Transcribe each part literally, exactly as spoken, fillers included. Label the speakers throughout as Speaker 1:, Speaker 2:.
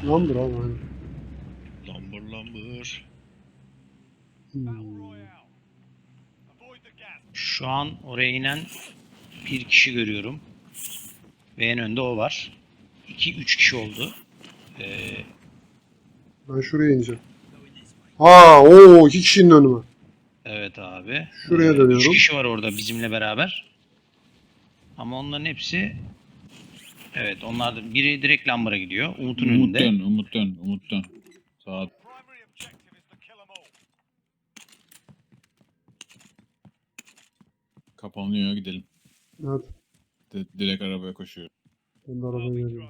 Speaker 1: Lambır abi aynen.
Speaker 2: Lambır lambır.
Speaker 1: Hmm.
Speaker 3: Şu an oraya inen bir kişi görüyorum. Ve en önde o var. iki üç kişi oldu. Ee,
Speaker 1: Ben şuraya ineceğim. Aa, o iki kişinin önüme.
Speaker 3: evet abi.
Speaker 1: Şuraya
Speaker 3: Ee,
Speaker 1: dönüyorum.
Speaker 3: üç kişi var orada bizimle beraber. Ama onların hepsi... Evet, onlar da biri direkt Lamber'a gidiyor. Umut'un
Speaker 4: Umut
Speaker 3: önünde.
Speaker 4: dön, Umut dön, Umut dön. Sağa kapanıyor, gidelim.
Speaker 1: Evet.
Speaker 4: D- direkt arabaya koşuyor.
Speaker 1: Ben de arabaya geliyorum.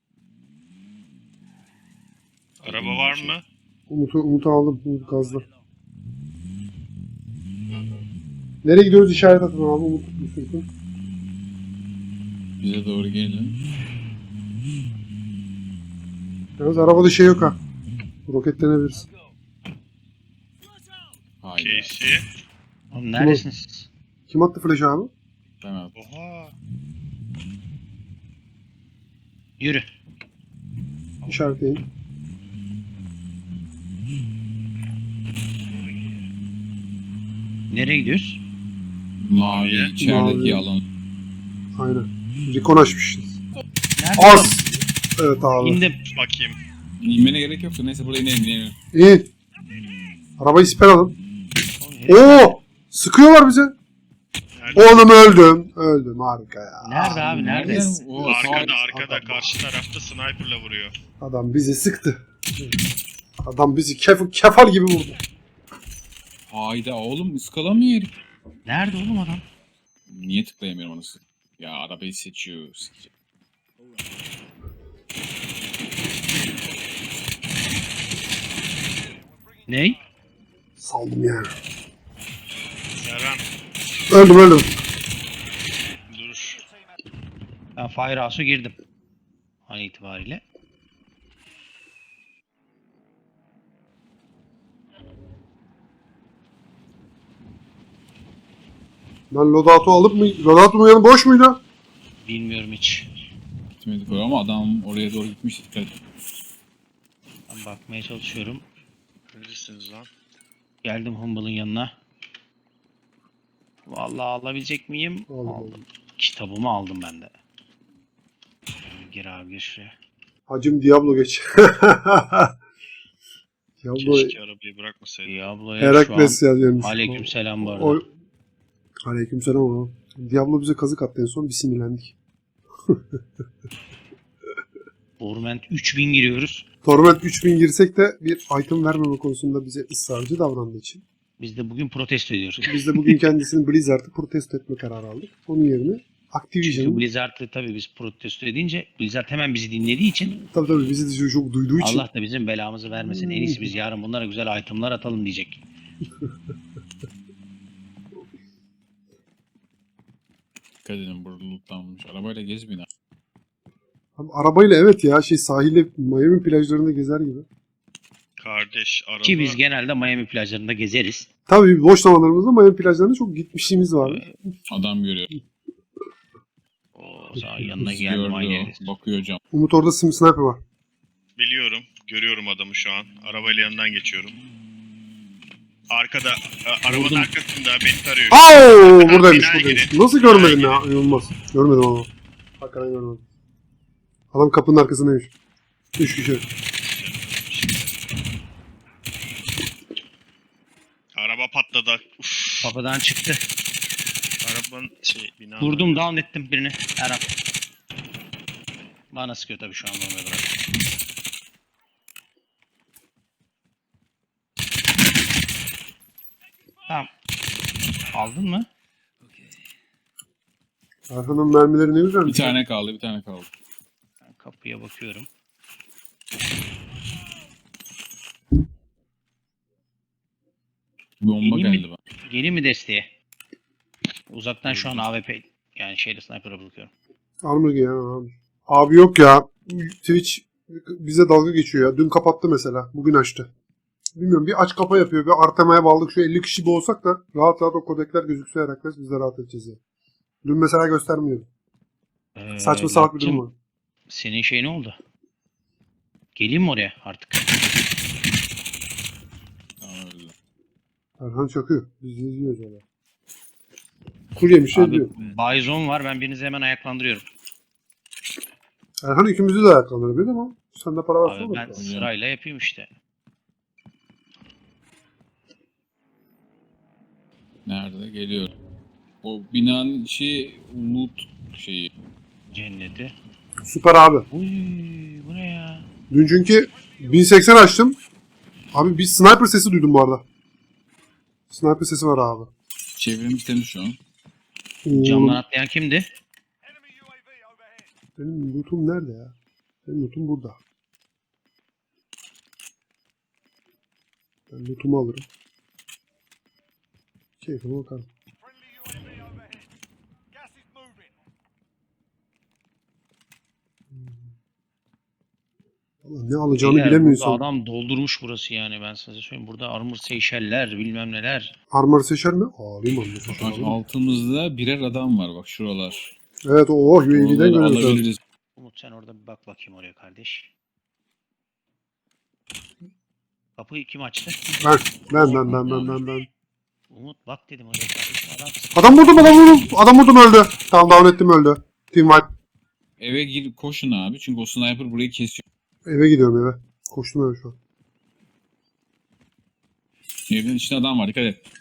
Speaker 2: Araba var mı?
Speaker 1: Umut'u Umut'u aldım. Umut gazla. Nereye gidiyoruz işaret atın abi Umut. Umut.
Speaker 4: Bize doğru gelin.
Speaker 1: Yalnız arabada şey yok ha. Roketlenebiliriz.
Speaker 4: Hayır.
Speaker 2: Casey.
Speaker 3: Oğlum neredesiniz siz?
Speaker 1: Kim attı flash'ı abi?
Speaker 4: Ben at.
Speaker 2: Oha.
Speaker 3: Yürü.
Speaker 1: İşaretleyin.
Speaker 3: Nereye gidiyoruz?
Speaker 4: Mavi, içerideki
Speaker 1: Mavi.
Speaker 4: alan.
Speaker 1: Aynen. Recon açmışız.
Speaker 3: Nerede?
Speaker 1: Az! Evet abi.
Speaker 3: İndim.
Speaker 2: Bakayım.
Speaker 4: İnmene gerek yoktu. Neyse burada inelim, inelim.
Speaker 1: İyi. Arabayı siper alın.
Speaker 3: Oğlum, herif-
Speaker 1: Oo! Sıkıyorlar bize.
Speaker 2: Nerede?
Speaker 1: Oğlum öldüm. Öldüm harika ya.
Speaker 3: Nerede abi? Nerede?
Speaker 4: Nereden? O
Speaker 2: Arkada
Speaker 4: sağ-
Speaker 2: arkada
Speaker 1: Adam.
Speaker 2: karşı tarafta sniper'la vuruyor.
Speaker 1: Adam bizi sıktı. Adam bizi kef kefal gibi vurdu.
Speaker 4: Hayda oğlum ıskalamıyor herif.
Speaker 3: Nerede oğlum adam?
Speaker 4: Niye tıklayamıyorum anasını? Ya arabayı seçiyor. sikecek.
Speaker 3: Ney?
Speaker 1: Saldım yani.
Speaker 2: Serhan
Speaker 1: Öldüm öldüm.
Speaker 2: dur.
Speaker 3: Ben Firehouse'a girdim. An itibariyle.
Speaker 1: Ben loadout'u alıp mı? Loadout'un yanı boş muydu?
Speaker 3: Bilmiyorum hiç.
Speaker 4: Gitmedik oraya ama adam oraya doğru gitmiş. Dikkat et.
Speaker 3: Ben bakmaya çalışıyorum.
Speaker 2: Neredesiniz lan?
Speaker 3: Geldim Humble'ın yanına. Vallahi alabilecek miyim?
Speaker 1: Aldım,
Speaker 3: Aldım.
Speaker 1: aldım.
Speaker 3: Kitabımı aldım ben de. Gir abi gir şuraya.
Speaker 1: Hacım Diablo geç. Diablo
Speaker 2: Keşke arabayı bırakmasaydı.
Speaker 3: Diablo'ya şu an...
Speaker 1: Herakles yazıyormuş.
Speaker 3: Aleykümselam bu arada.
Speaker 1: O... Aleykümselam abi. Diablo bize kazık attı en son bir sinirlendik.
Speaker 3: Torment üç bin giriyoruz.
Speaker 1: Torment üç bin girsek de bir item vermeme konusunda bize ısrarcı davrandığı için.
Speaker 3: Biz de bugün protesto ediyoruz.
Speaker 1: Biz de bugün kendisini Blizzard'ı protesto etme kararı aldık. Onun yerine
Speaker 3: Çünkü
Speaker 1: Activision'ın
Speaker 3: Blizzard'ı tabii biz protesto edince Blizzard hemen bizi dinlediği için
Speaker 1: tabii tabii bizi de çok duyduğu için
Speaker 3: Allah da bizim belamızı vermesin. En iyisi biz yarın bunlara güzel itemlar atalım diyecek.
Speaker 4: Dikkat edin burada lootlanmış. Arabayla gezmeyin. ha.
Speaker 1: Abi arabayla evet ya şey sahilde Miami plajlarında gezer gibi.
Speaker 2: Kardeş araba.
Speaker 3: Ki biz genelde Miami plajlarında gezeriz.
Speaker 1: Tabii boş zamanlarımızda Miami plajlarına çok gitmişliğimiz var.
Speaker 4: Adam görüyor.
Speaker 3: O zaman yanına
Speaker 4: Bizi
Speaker 3: geldim
Speaker 4: gördü
Speaker 3: aynı
Speaker 4: o. Bakıyor cam.
Speaker 1: Umut orada sim sniper var.
Speaker 2: Biliyorum. Görüyorum adamı şu an. Arabayla yanından geçiyorum. Arkada, a- arabanın
Speaker 4: Vurdum.
Speaker 2: arkasında beni tarıyor.
Speaker 1: Aa buradaymış
Speaker 2: binaya
Speaker 1: buradaymış.
Speaker 2: girin.
Speaker 1: Nasıl görmedin
Speaker 2: Binaya
Speaker 1: ya? İnanılmaz. Görmedim ama. Hakikaten görmedim. Adam kapının arkasındaymış. Üç kişi.
Speaker 2: Araba patladı. Uf,
Speaker 3: Kapıdan çıktı.
Speaker 2: arabanın şey bina.
Speaker 3: Vurdum down ettim birini. Erhan. Bana sıkıyor tabii şu an bombayı bırak. Tamam. Aldın mı?
Speaker 1: Arkanın mermileri ne güzel.
Speaker 4: Bir tane kaldı, bir tane kaldı.
Speaker 3: Ben kapıya bakıyorum.
Speaker 4: Bomba
Speaker 3: Yeni mi?
Speaker 4: geldi bana.
Speaker 3: Geleyim mi desteğe? Uzaktan şu an A W P yani şeyle sniper'a bakıyorum.
Speaker 1: Armor giyen abi. Abi yok ya. Twitch bize dalga geçiyor ya. Dün kapattı mesela. Bugün açtı. Bilmiyorum bir aç kapa yapıyor. Bir Artema'ya bağladık. Şu elli kişi bir olsak da rahat rahat o kodekler gözükse Herakles biz de rahat edeceğiz ya. Dün mesela göstermiyordu.
Speaker 3: Ee,
Speaker 1: Saçma salak bir durum
Speaker 3: yaptım.
Speaker 1: var.
Speaker 3: Senin şey ne oldu? Geleyim mi oraya artık?
Speaker 4: Tamam öyle.
Speaker 1: Erhan çakıyor. Biz izliyoruz öyle. Kur yemiş şey
Speaker 3: Abi
Speaker 1: diyor.
Speaker 3: Bison var, ben birinizi hemen ayaklandırıyorum.
Speaker 1: Erhan ikimizi de ayaklandırabilir ama sende para varsa
Speaker 3: Abi
Speaker 1: olur.
Speaker 3: ben sırayla yapayım işte.
Speaker 4: Nerede? Geliyor. O binanın içi loot şeyi.
Speaker 3: Cenneti.
Speaker 1: Süper abi.
Speaker 3: Uy, bu ne ya?
Speaker 1: Dün çünkü bin seksen açtım. Abi bir sniper sesi duydum bu arada. Sniper sesi var abi.
Speaker 4: Çevremiz temiz şu an.
Speaker 3: Camdan
Speaker 1: Oğlum,
Speaker 3: atlayan kimdi?
Speaker 1: benim lootum nerede ya? Benim lootum burada. Ben lootumu alırım. Keyfime bakarım. Vallahi ne alacağını
Speaker 3: Beyler,
Speaker 1: bilemiyorsun.
Speaker 3: burada adam doldurmuş burası yani, ben size söyleyeyim. Burada armor Seyşeller bilmem neler.
Speaker 1: Armor seçer mi? Alayım armor seçer.
Speaker 4: Bak altımızda birer adam var bak şuralar.
Speaker 1: Evet o U A V'den
Speaker 4: Oraları
Speaker 1: görüyoruz.
Speaker 4: alabiliriz.
Speaker 3: Umut sen orada bir bak bakayım oraya kardeş. Kapıyı kim açtı?
Speaker 1: Ben, ben, ben, ben, ben, ben, ben.
Speaker 3: Umut bak dedim oraya kardeşim, adam.
Speaker 1: Adam vurdum, adam vurdum. Adam vurdum öldü. Tamam down ettim öldü. Team wipe.
Speaker 4: Eve gir koşun abi çünkü o sniper burayı kesiyor.
Speaker 1: Eve gidiyorum eve. Koştum eve şu an.
Speaker 4: Evin içinde adam var dikkat et.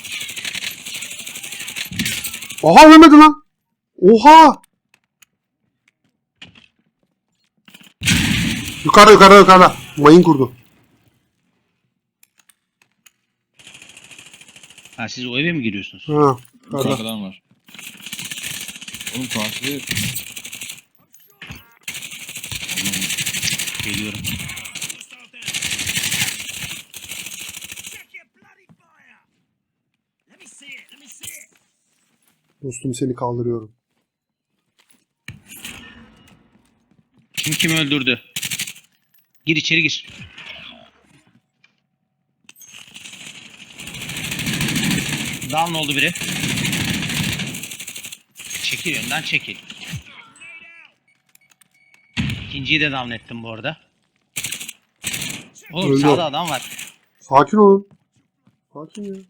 Speaker 1: Oha ölmedi lan. Oha. Yukarıda yukarıda yukarıda. Mayın kurdu.
Speaker 3: Ha, siz o eve mi giriyorsunuz?
Speaker 1: Ha.
Speaker 4: Yukarıda
Speaker 1: Yukarıda.
Speaker 4: adam var. Oğlum karşıda
Speaker 3: Geliyorum.
Speaker 1: Dostum seni kaldırıyorum.
Speaker 3: Kim kimi öldürdü? Gir içeri gir. Down oldu biri. Çekil önden çekil. İkinciyi de down ettim bu arada. Oğlum
Speaker 1: Öldü.
Speaker 3: sağda adam var.
Speaker 1: Sakin olun. Sakin ya.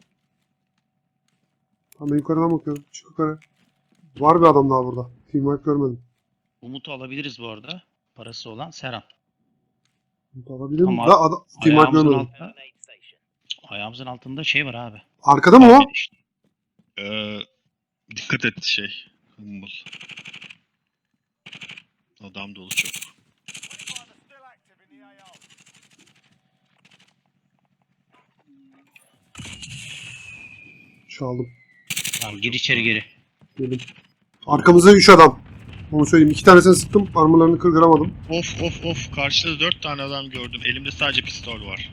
Speaker 1: Tamam ben yukarıdan bakıyorum. Çık yukarı. Var bir adam daha burada. Team wipe görmedim.
Speaker 3: Umut'u alabiliriz bu arada. Parası olan Serhan.
Speaker 1: Alabilir miyim?
Speaker 3: Tamam.
Speaker 1: Da adam. Team wipe
Speaker 3: Ayağımızın,
Speaker 1: görmedim.
Speaker 3: altında, ayağımızın altında şey var abi.
Speaker 1: Arkada mı o?
Speaker 3: İşte.
Speaker 2: Ee, dikkat et şey. Humble. Adam dolu çok.
Speaker 1: Çaldım.
Speaker 3: Tamam, gir içeri geri.
Speaker 1: Gelin. Arkamızda üç adam. Onu söyleyeyim. İki tanesini sıktım. Armorlarını kırgıramadım.
Speaker 2: Of of of. Karşıda dört tane adam gördüm. Elimde sadece pistol var.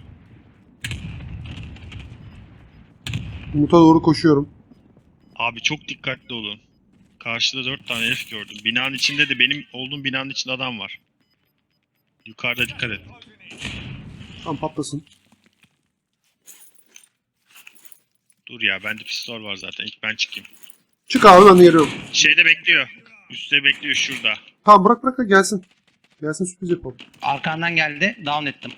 Speaker 1: Umut'a doğru koşuyorum.
Speaker 2: Abi çok dikkatli olun. Karşıda dört tane herif gördüm. Binanın içinde de benim olduğum binanın içinde adam var. Yukarıda dikkat et.
Speaker 1: Tam patlasın.
Speaker 2: Dur ya, bende pistol var zaten. İlk ben çıkayım.
Speaker 1: Çık abi ben de geliyorum.
Speaker 2: Şeyde bekliyor. Üstte bekliyor şurada.
Speaker 1: Tamam bırak bırak da gelsin. Gelsin sürpriz yapalım.
Speaker 3: Arkandan geldi. Down ettim.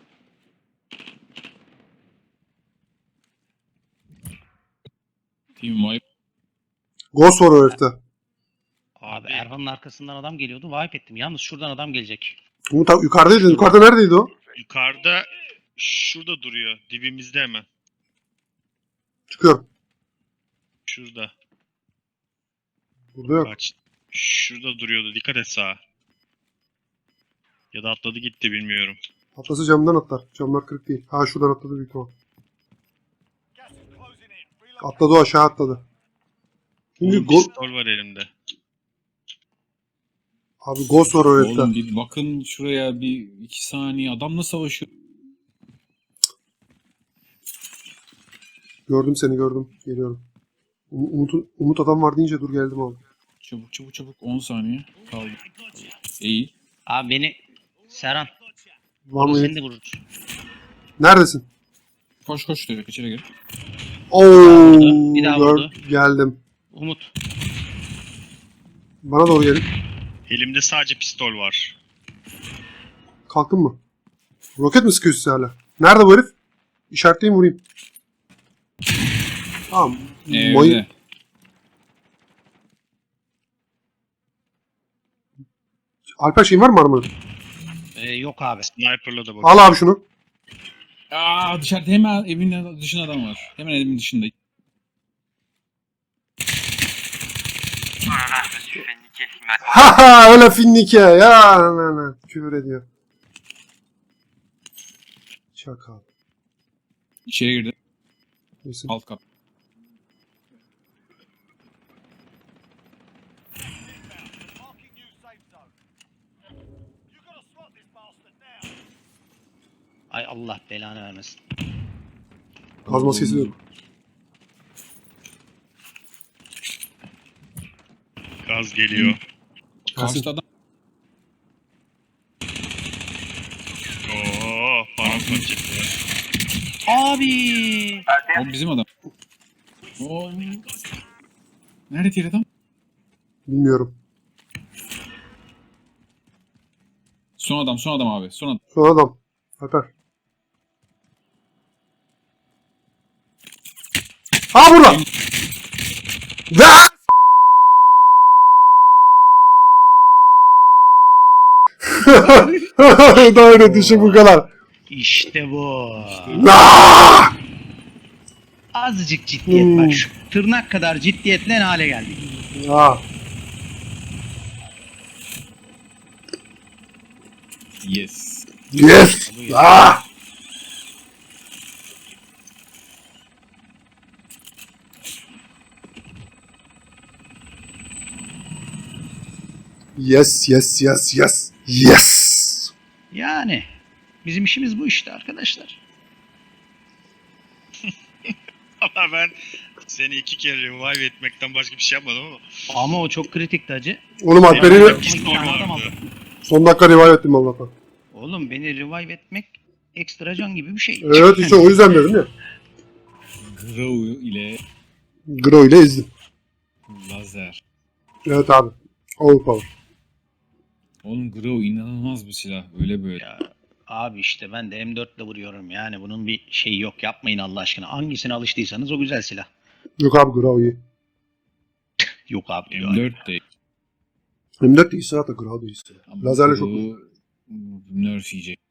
Speaker 4: team wipe.
Speaker 1: Ghost var o herifte.
Speaker 3: Abi Erhan'ın arkasından adam geliyordu. Wipe ettim. Yalnız şuradan adam gelecek.
Speaker 1: Umut abi yukarıdaydı. Yukarıda neredeydi o?
Speaker 2: Yukarıda şurada duruyor. Dibimizde hemen.
Speaker 1: Çıkıyorum.
Speaker 2: Şurada.
Speaker 1: Burada yok.
Speaker 2: Kaç. Şurada duruyordu. Dikkat et sağa. Ya da atladı gitti bilmiyorum.
Speaker 1: Atlası camdan atlar. Camlar kırık değil. Ha şuradan atladı büyük ihtimal. Atladı o aşağı atladı. Şimdi
Speaker 2: Oğlum,
Speaker 1: go
Speaker 2: pistol var elimde.
Speaker 1: abi Ghost var o herifte.
Speaker 4: Oğlum bir bakın şuraya bir iki saniye adamla savaşıyor.
Speaker 1: Gördüm seni gördüm. Geliyorum. Um- Umut, Umut adam var deyince dur geldim abi.
Speaker 4: Çabuk çabuk çabuk on saniye kaldı. İyi.
Speaker 3: Abi beni Serhan.
Speaker 1: Var
Speaker 3: Onu
Speaker 1: mı?
Speaker 3: seni de vururuz.
Speaker 1: Neredesin?
Speaker 4: Koş koş direkt içeri gir.
Speaker 1: Oo,
Speaker 3: vurdu, bir daha
Speaker 1: gör-
Speaker 3: vurdu.
Speaker 1: geldim.
Speaker 3: Umut.
Speaker 1: Bana doğru gelin.
Speaker 2: Elimde sadece pistol var.
Speaker 1: Kalktın mı? Roket mi sıkıyorsun sen hala? Nerede bu herif? İşaretleyeyim vurayım. Tamam. Mayın.
Speaker 4: Evde.
Speaker 1: Alper şeyin var mı armanın?
Speaker 3: Ee, yok abi.
Speaker 2: Sniper'la da bak.
Speaker 1: Al abi şunu.
Speaker 4: Aa dışarıda hemen evin dışında adam var. Hemen evimin dışında.
Speaker 1: Ha ha öyle finnike ya. Ne, ne, küfür ediyor. Çakal.
Speaker 4: İçeri girdi.
Speaker 1: Neyse.
Speaker 4: Alt kat.
Speaker 3: Ay Allah belanı vermesin.
Speaker 1: Kazma sesi yok.
Speaker 2: Gaz geliyor.
Speaker 4: Karşıda adam.
Speaker 2: Oo, paramparça çıktı.
Speaker 3: Abi.
Speaker 4: O bizim adam. O. Nerede diğer adam?
Speaker 1: Bilmiyorum.
Speaker 4: Son adam, son adam abi. Son adam.
Speaker 1: Son adam. Alper. Ha burada. Ya! Daha öyle düşün bu kadar.
Speaker 3: İşte bu.
Speaker 1: Aa!
Speaker 3: Azıcık ciddiyet
Speaker 1: Hmm.
Speaker 3: bak. Şu tırnak kadar ciddiyetle ne hale geldik.
Speaker 1: Ya.
Speaker 4: Yes.
Speaker 1: Yes. Ah! Yes, yes, yes, yes. Yes.
Speaker 3: Yani bizim işimiz bu işte arkadaşlar.
Speaker 2: Ama ben seni iki kere revive etmekten başka bir şey yapmadım ama.
Speaker 3: Ama o çok kritikti hacı.
Speaker 1: Oğlum Alper'i
Speaker 2: Benim-
Speaker 3: İki tane adam aldı.
Speaker 1: son dakika revive ettim Allah'tan.
Speaker 3: Oğlum beni revive etmek ekstra can gibi bir şey.
Speaker 1: Evet işte o yüzden dedim ya.
Speaker 4: Grow ile
Speaker 1: Gro ile ezdim.
Speaker 4: lazer.
Speaker 1: Evet abi. Overpower.
Speaker 4: Oğlum Grow inanılmaz bir silah. Öyle böyle.
Speaker 3: Ya, abi işte ben de M dört ile vuruyorum yani bunun bir şeyi yok, yapmayın Allah aşkına. Hangisine alıştıysanız o güzel silah.
Speaker 1: Yok abi Gro iyi.
Speaker 3: Yok abi diyor.
Speaker 4: M dört de.
Speaker 1: M dört de iyi silah da Gro da iyi silah.
Speaker 4: Ama
Speaker 1: Lazerle çok
Speaker 4: Grow nerf yiyecek.